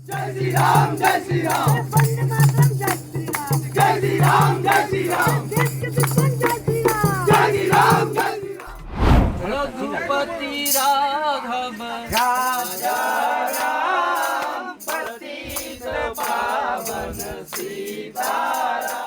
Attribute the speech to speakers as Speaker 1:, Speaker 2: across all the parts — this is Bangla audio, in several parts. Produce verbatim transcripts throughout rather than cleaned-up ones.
Speaker 1: जय श्री राम जय श्री राम वंदे मातरम जय श्री राम जय श्री राम जय श्री राम देश के दुश्मन जय श्री राम जय श्री राम जय श्री राम
Speaker 2: रघुपति राघव
Speaker 1: राजा राम पतित पावन सीताराम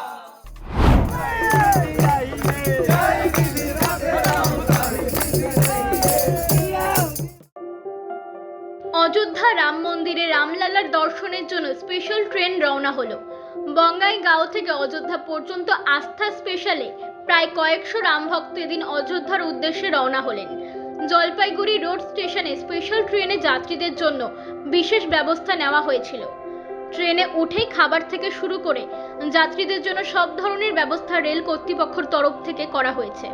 Speaker 3: অযোধ্যা রাম মন্দিরে রামলালার দর্শনের জন্য স্পেশাল ট্রেন রওনা হলো। বঙ্গাইগাঁও থেকে অযোধ্যা পর্যন্ত আস্থা স্পেশালে প্রায় কয়েকশো রাম ভক্ত এদিন অযোধ্যার উদ্দেশ্যে রওনা হলেন। জলপাইগুড়ি রোড স্টেশনে স্পেশাল ট্রেনে যাত্রীদের জন্য বিশেষ ব্যবস্থা নেওয়া হয়েছিল। ট্রেনে উঠেই খাবার থেকে শুরু করে যাত্রীদের জন্য সব ধরনের ব্যবস্থা রেল কর্তৃপক্ষের তরফ থেকে করা হয়েছে।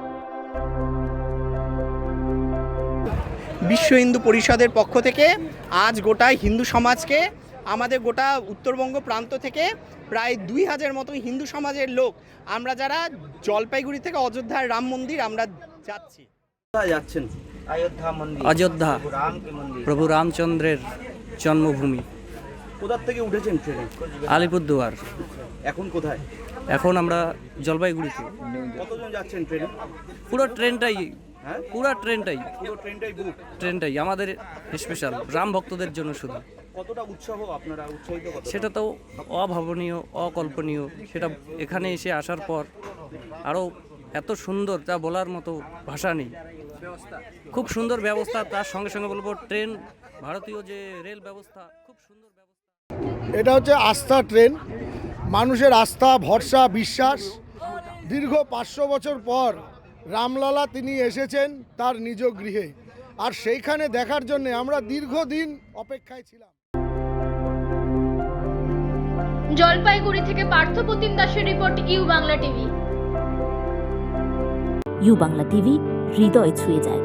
Speaker 4: বিশ্ব হিন্দু পরিষদের পক্ষ থেকে আজ গোটা হিন্দু সমাজকে, আমাদের গোটা উত্তরবঙ্গ প্রান্ত থেকে প্রায় দুই হাজার মতো হিন্দু সমাজের লোক আমরা যারা জলপাইগুড়ি থেকে অযোধ্যার রাম মন্দির আমরা যাচ্ছি।
Speaker 5: কোথায় যাচ্ছেন? অযোধ্যা মন্দির,
Speaker 2: অযোধ্যা
Speaker 5: রাম কে মন্দির।
Speaker 2: প্রভু রামচন্দ্রের জন্মভূমি।
Speaker 5: কোথা থেকে উঠেছেন ট্রেনে?
Speaker 2: আলিপুরদুয়ার।
Speaker 5: এখন কোথায়?
Speaker 2: এখন আমরা জলপাইগুড়িতে।
Speaker 5: কতজন যাচ্ছেন ট্রেনে?
Speaker 2: পুরো ট্রেনটাই
Speaker 5: হ্যাঁ,
Speaker 2: পুরো ট্রেনটাই
Speaker 5: পুরো ট্রেনটাই বুক।
Speaker 2: ট্রেনটাই আমাদের স্পেশাল রাম ভক্তদের জন্য শুধু।
Speaker 5: কতটা উৎসাহ আপনারা উৎসাহিত? কত?
Speaker 2: সেটা তো অভাবনীয়, অকল্পনীয়। সেটা এখানে এসে আসার পর আরও এত সুন্দর, তা বলার মতো ভাষা নেই। খুব সুন্দর ব্যবস্থা। তার সঙ্গে সঙ্গে বলবো ট্রেন, ভারতীয় যে রেল ব্যবস্থা, খুব সুন্দর ব্যবস্থা।
Speaker 6: এটা হচ্ছে আস্থা ট্রেন, মানুষের আস্থা, ভরসা, বিশ্বাস। দীর্ঘ পাঁচশো বছর পর রামলালা তিনি এসেছেন তার নিজ গৃহে, আর সেইখানে দেখার জন্য আমরা দীর্ঘদিন অপেক্ষায় ছিলাম।
Speaker 3: জলপাইগুড়ি থেকে পার্থপ্রতিম দাসের report, U Bangla TV.
Speaker 7: U Bangla TV হৃদয় ছুঁয়ে যায়।